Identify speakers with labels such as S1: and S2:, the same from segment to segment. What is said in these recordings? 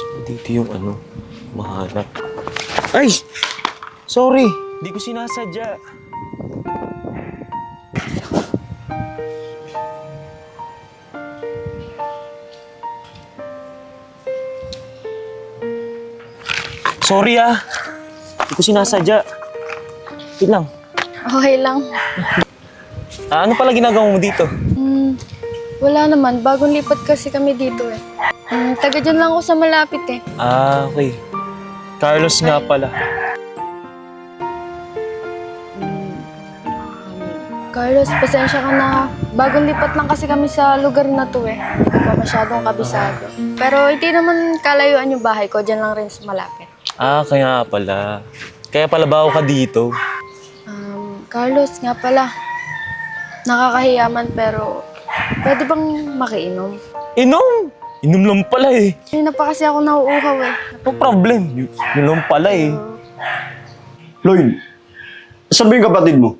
S1: Dito yung mahanap. Ay! Sorry! Di ko sinasadya. Sorry di ko sinasadya. Wait lang.
S2: Okay lang.
S1: Ano pala ginagawa mo dito?
S2: Wala naman. Bagong lipat kasi kami dito eh. Taga dyan lang ako sa malapit eh.
S1: Okay. Carlos nga pala.
S2: Carlos, pasensya ka na. Bagong lipat lang kasi kami sa lugar na to eh. Hindi ko pa masyadong kabisado. Pero hindi naman kalayuan yung bahay ko. Dyan lang rin sa malapit.
S1: Kaya pala. Kaya pala bago ka dito.
S2: Carlos, nga pala. Nakakahiyaman pero pwede bang makiinom?
S1: Inom! Inom lang pala eh.
S2: Hindi na pa kasi ako nauuhaw eh.
S1: No problem. Yun lang pala eh.
S3: Lloyd, saan ba yung kapatid mo?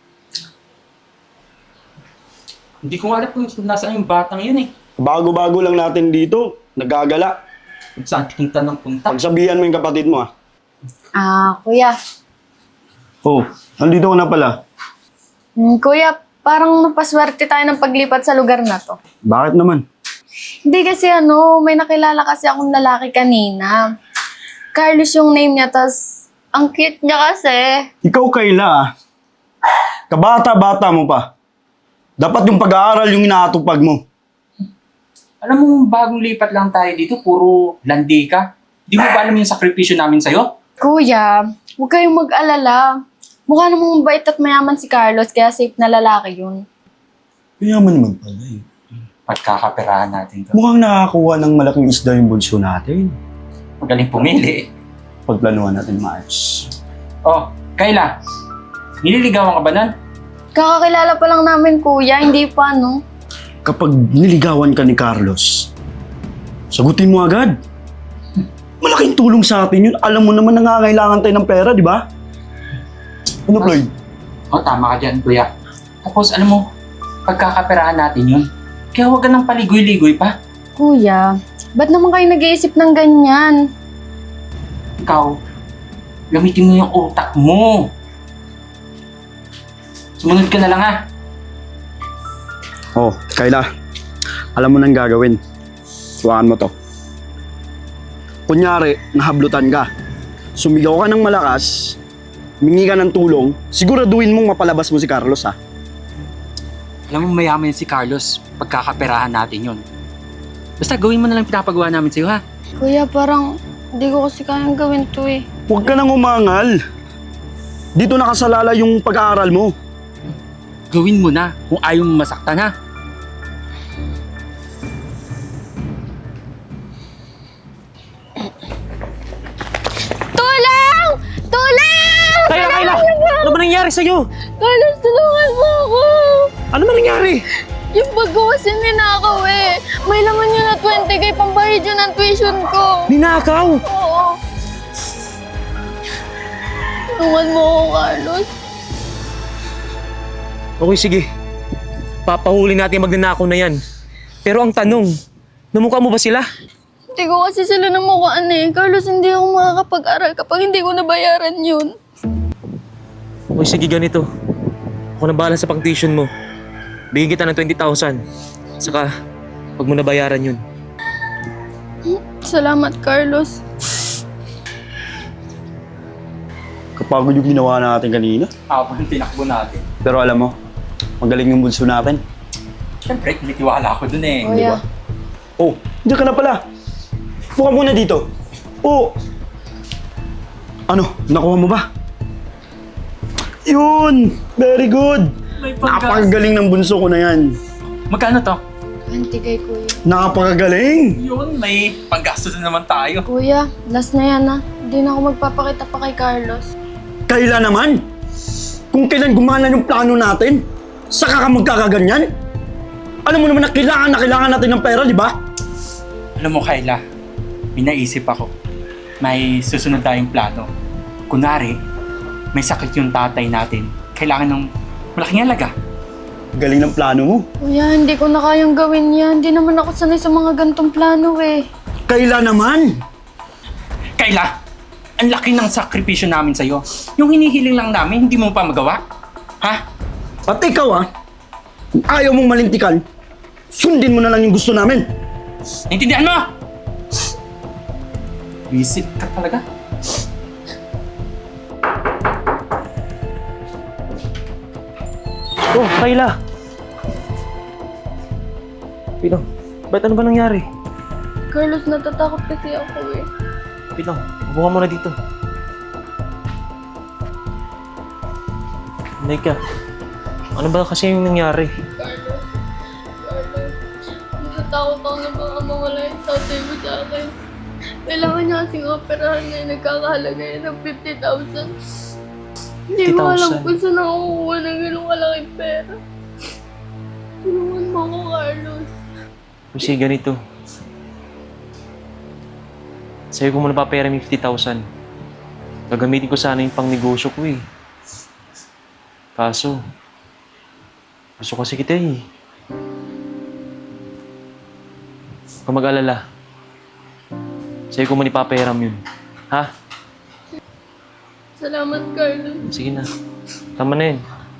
S4: Hindi ko alam kung nasaan yung batang yun eh.
S3: Bago-bago lang natin dito, nagagala.
S4: Kung saan punta ng punta.
S3: Pagsabihan mo yung kapatid mo
S2: Kuya.
S3: Oh, nandito ko na pala.
S2: Kuya, parang napaswerte tayo ng paglipat sa lugar na to.
S3: Bakit naman?
S2: Hindi kasi may nakilala kasi akong lalaki kanina. Carlos yung name niya, tas ang cute niya kasi.
S3: Ikaw, Kayla kabata-bata mo pa. Dapat yung pag-aaral yung inaatupag mo.
S4: Alam mo, bagong lipat lang tayo dito, puro landi ka. Di mo ba alam yung sakripisyo namin sa'yo?
S2: Kuya, huwag kayong mag-alala. Mukha namang mabait at mayaman si Carlos, kaya safe na lalaki yun.
S3: Mayaman naman pala eh.
S4: Pagkakaperahan natin to.
S3: Mukhang nakakakuha ng malaking isda yung bunso natin.
S4: Magaling pumili.
S3: Pagplanuhan natin maayos.
S4: Oh, Kayla, nililigawan ka ba nun?
S2: Kakakilala pa lang namin, kuya. Hindi pa,
S3: Kapag niligawan ka ni Carlos, sagutin mo agad. Malaking tulong sa atin yun. Alam mo naman nangangailangan tayo ng pera, di ba? Ano, Floyd?
S4: Oh, tama ka dyan, kuya. Tapos, alam mo, pagkakaperahan natin yun. Kaya huwag ka nang paligoy-ligoy pa.
S2: Kuya, ba't naman kayo nag-iisip ng ganyan?
S4: Ikaw, gamitin mo yung utak mo. Sumunod ka na lang ha.
S3: Oh, Kayla. Alam mo nang gagawin. Tuwakan mo to. Kunyari, nahablutan ka. Sumigaw ka ng malakas, mingi ka ng tulong, siguraduhin mong mapalabas mo si Carlos, ha?
S4: Alam mo, mayaman yun si Carlos. Pagkakaperahan natin yun. Basta gawin mo na lang pinapagawa namin sa'yo, ha?
S2: Kuya, parang hindi ko kasi kayang gawin to eh.
S3: Huwag ka nang umangal. Dito nakasalala yung pag-aaral mo.
S4: Gawin mo na kung ayaw mo masaktan, ha?
S2: Tulong! Tulong!
S1: Kayla! Ano ba nangyari sa'yo?
S2: Carlos, tulungan mo ako!
S1: Ano ba nangyari?
S2: Yung bag ko kasi ninakaw eh. May laman yun na 20K pambayad yun ng tuition ko.
S1: Ninakaw!
S2: Oo. Tulungan mo ako, Carlos.
S1: Okay, sige. Papahuli natin yung magnanakaw na yan. Pero ang tanong, namukha mo ba sila?
S2: Hindi ko kasi sila namukhaan eh. Carlos, hindi ako makakapag-aral kapag hindi ko nabayaran yun.
S1: Okay, sige ganito. Ako na bahala sa pang-tuition mo. Bigyan kita ng 20,000. Saka, pag mo nabayaran yun.
S2: Salamat, Carlos.
S3: Kapagod yung ginawa natin kanina.
S4: Habang tinakbo natin.
S3: Pero alam mo, magaling yung bunso natin.
S4: Siyempre, kumitiwala ako dun eh.
S2: Kuya.
S3: Oh, diyan ka na pala. Buka muna dito. Oh. Ano, nakuha mo ba? Yun! Very good!
S4: May
S3: Napakagaling ng bunso ko na yan.
S4: Magkano to?
S2: 20K, kuya.
S3: Napakagaling!
S4: Yun, may panggastos na naman tayo.
S2: Kuya, last na yan Hindi na ako magpapakita pa kay Carlos.
S3: Kaila naman! Kung kailan gumana yung plano natin, saka ka magkakaganyan? Alam mo naman na kailangan natin ng pera, di ba?
S4: Alam mo, Kayla, may naisip ako. May susunod tayong plano. Kunwari, may sakit yung tatay natin. Kailangan ng malaking halaga.
S3: Galing ng plano mo.
S2: Kuya, hindi ko na kayang gawin yan. Hindi naman ako sanay sa mga gantong plano eh.
S3: Kaila naman!
S4: Kayla, ang laki ng sakripisyo namin sa'yo. Yung hinihiling lang namin, hindi mo pa magawa. Ha?
S3: At ikaw kung ayaw mong malintikan, sundin mo na lang yung gusto namin.
S4: Naintindihan mo? Visit ka talaga.
S1: Oh, Kayla! Pinang, ba't ano ba nangyari?
S2: Carlos, natatakot kasi ako eh.
S1: Pinang, upo ka muna dito. Nika, ano ba kasi yung nangyari?
S2: Carlos, natatakot ako na baka mawala yung tatay mo sa akin. Kailangan niya kasing operahan na nagkakahalaga yan ng 50,000. Hindi mo alam
S1: 50,000?
S2: kung saan nakukuha ng ganung kalaking pera. Tulungan mo ako, Carlos.
S1: Kasi ganito. Sa'yo ko muna papera yung 50,000. Gagamitin ko sana yung pang negosyo ko eh. Kaso, gusto kasi kita eh. Huwag kang mag-alala. Sa'yo ko muna ipapahiram yun. Ha?
S2: Salamat, Carlos.
S1: Sige na. Tama na yun.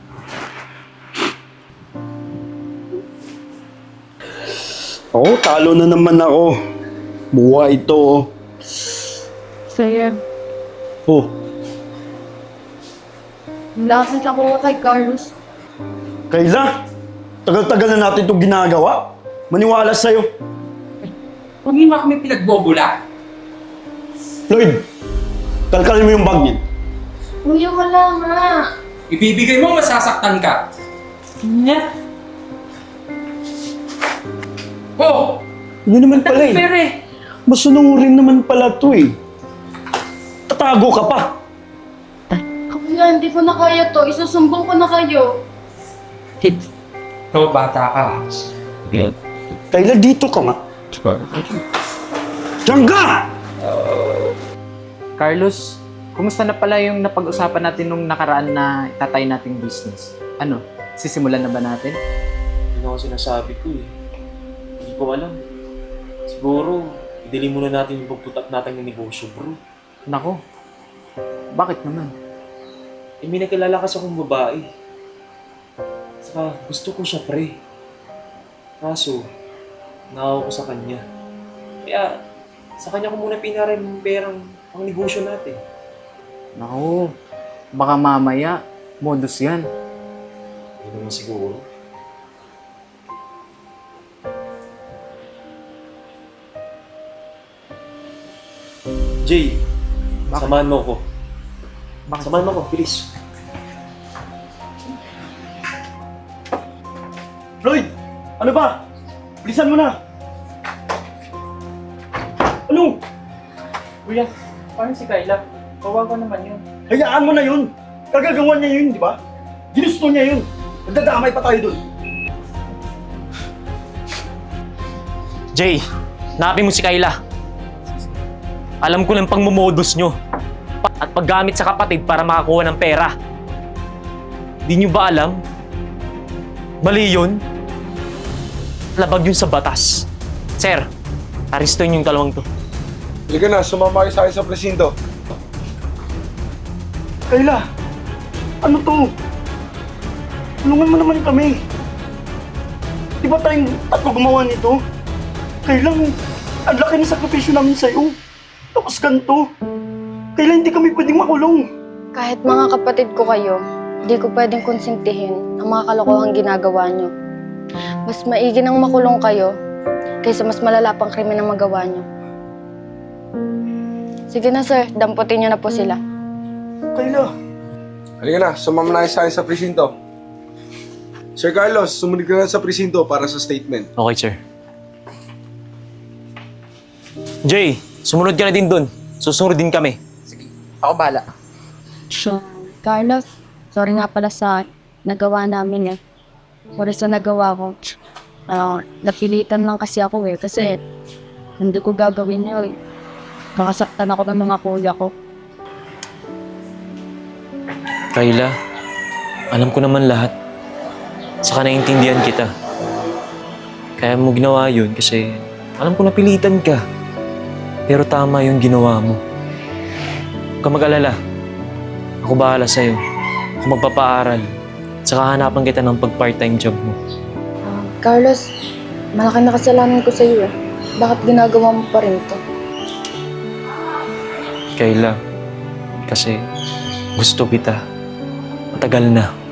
S3: Oo, talo na naman ako. Buwa ito.
S2: Sir,
S3: Oh,
S2: lakas ako kay Carlos.
S3: Kayla, tagal-tagal na natin itong ginagawa. Maniwala sa'yo.
S4: Huwag mo kami pinagbobula.
S3: Lloyd, kalkalin mo yung bag niya.
S2: Kuya, wala nga.
S4: Ibibigay mo, masasaktan ka. Nya? Oh!
S3: Ano naman pala eh.
S4: Pere!
S3: Masunurin naman pala to eh. Tatago ka pa.
S2: Kuya, hindi ko na kaya to. Isusumbong ko na kayo.
S4: Oh, bata ka.
S3: Kayla, dito ka nga. Diyan ka!
S5: Carlos, kumusta na pala yung napag-usapan natin nung nakaraan na itatay nating business? Ano, sisimulan na ba natin?
S1: Yun ako sinasabi ko eh. Hindi ko alam. Siguro, idili muna natin yung pagputak natin ng negosyo, bro.
S5: Nako, bakit naman?
S1: Eh, may nakilala kasi akong babae. Saka, gusto ko siya, pre. Kaso, nakaw ko sa kanya. Kaya, sa kanya ko muna pinarin yung perang pang negosyo natin.
S5: Nako, baka mamaya, modus yan.
S1: Hindi naman siguro. Jay, samahan mo ko.
S5: Bakit?
S1: Samahan mo ko, please.
S3: Lloyd, ano ba? Bilisan mo na. Ano?
S4: Kuya, paano si Kayla? Kawawa naman yun.
S3: Hayaan mo na yun. Kagagawa niya yun, di ba? Ginusto niya yun. Nagdadamay pa tayo dun.
S1: Jay, hanapin mo si Kayla. Alam ko lang pangmumodus nyo. At paggamit sa kapatid para makakuha ng pera. Di nyo ba alam? Mali yun. Labag yun sa batas. Sir, aristuin yung dalawang to.
S6: Halika na, sumama kayo sa akin sa presinto.
S3: Kayla, ano to? Tulungan mo naman kami. Di ba tayong tatlo gumawa nito? Kailang, ang laki ng sakripisyo namin sa'yo. Tapos ganito. Kailan hindi kami pwedeng makulong?
S2: Kahit mga kapatid ko kayo, hindi ko pwedeng konsintihin ang mga kalokohang ginagawa nyo. Mas maigi nang makulong kayo kaysa mas malala pang krimen ang magawa nyo. Sige na sir, damputin nyo na po sila.
S3: Kayla,
S6: Halika na, sumama na kayo sa akin sa presinto. Sir Carlos, sumunod ka na sa presinto para sa statement.
S1: Okay, sir. Jay, sumunod ka na din dun. Susunod din kami.
S5: Ako bala.
S7: So, Carlos, sorry nga pala sa nagawa namin eh. Sorry sa nagawa ko. Napilitan lang kasi ako eh. Kasi hindi ko gagawin yun. Nakasaktan ako ng mga kuya ko.
S1: Kayla, alam ko naman lahat. Saka naiintindihan kita. Kaya mo ginawa yun kasi alam ko napilitan ka. Pero tama yung ginawa mo. Huwag ka mag-alala. Ako bahala sa'yo. Ako magpapaaral. Saka hanapan kita ng pag-part-time job mo.
S2: Carlos, malaki na kasalanan ko sa'yo eh. Bakit ginagawa mo pa rin to?
S1: Kayla, kasi gusto kita. Matagal na.